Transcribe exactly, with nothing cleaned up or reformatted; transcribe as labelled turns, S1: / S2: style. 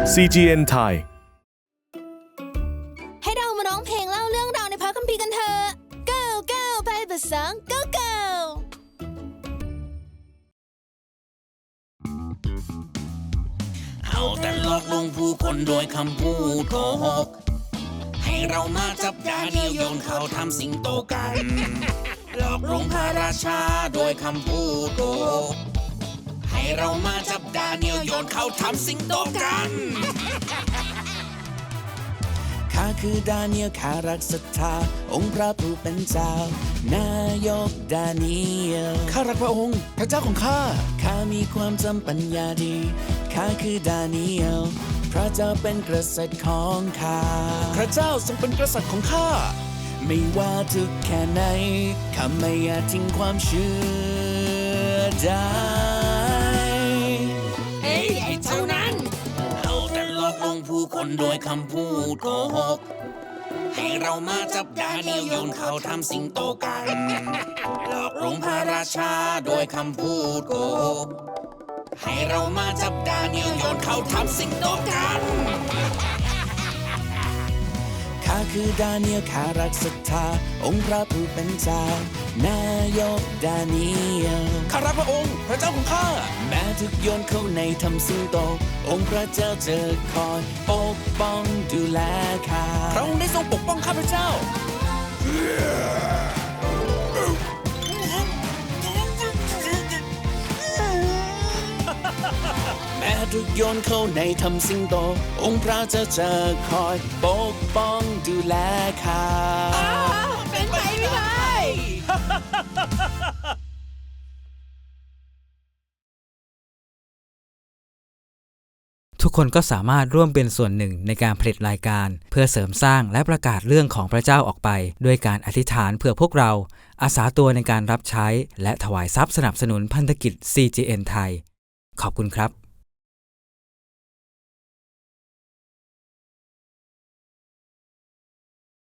S1: ซี จี เอ็น ไทย
S2: ให้เรามาร้องเพลงเล่าเรื่องราวในพระคัมภีร์กันเถอะ go go ไปภาษา go go
S3: เอาแต่หลอกลวงผู้คนโดยคำพูดโกหกให้เรามาจับดาเนียลโยนเขาทำสิงโตกันหลอกลวงพระราชาโดยคำพูดโกหกให้เรามาจับดาเนียลโยนเขาทำสิงโตกันข้าคือดาเนียลข้ารักศรัทธาองค์พระผู้เป็นเจ้านายกดาเนียลข้ารักพระองค์พระเจ้าของข้าข้ามีความจำปัญญาดีข้าคือดาเนียลพระเจ้าเป็นกษัตริย์ของข้าพระเจ้าทรงเป็นกษัตริย์ของข้าไม่ว่าทุกแค่ไหนข้าไม่อาจทิ้งความเชื่อได้เฮ้ยไอ้เท่านั้นเอาแต่หลอกลวงผู้คนโดยคำพูดโกหกให้เรามาจับดาเนียลโยนเขาทำสิงโตกันหลอกลวงพระราชาโดยคำพูดโกหกให้เรามาจับดาเนียลโยนเขาทำสิงโตกันข้าคือดาเนียลข้ารักศรัทธาองค์พระผู้เป็นเจ้านายกดาเนียลข้ารักพระองค์พระเจ้าของข้าแม้ทุกโยนเข้าในทำสิงโตองค์พระเจ้าจะคอยปกป้องดูแลข้าพระองค์ได้ทรงปกป้องข้าพระเจ้าแม้ทุกโยนเข้าในทำสิงโตองค์พระเจ้าจะคอยปกป้องดูแลข้าเป็นไปไม่ได้
S4: ทุกคนก็สามารถร่วมเป็นส่วนหนึ่งในการผลิตรายการเพื่อเสริมสร้างและประกาศเรื่องของพระเจ้าออกไปด้วยการอธิษฐานเพื่อพวกเราอาสาตัวในการรับใช้และถวายทรัพย์สนับสนุนพันธกิจ ซี จี เอ็น ไทยขอบคุณครับ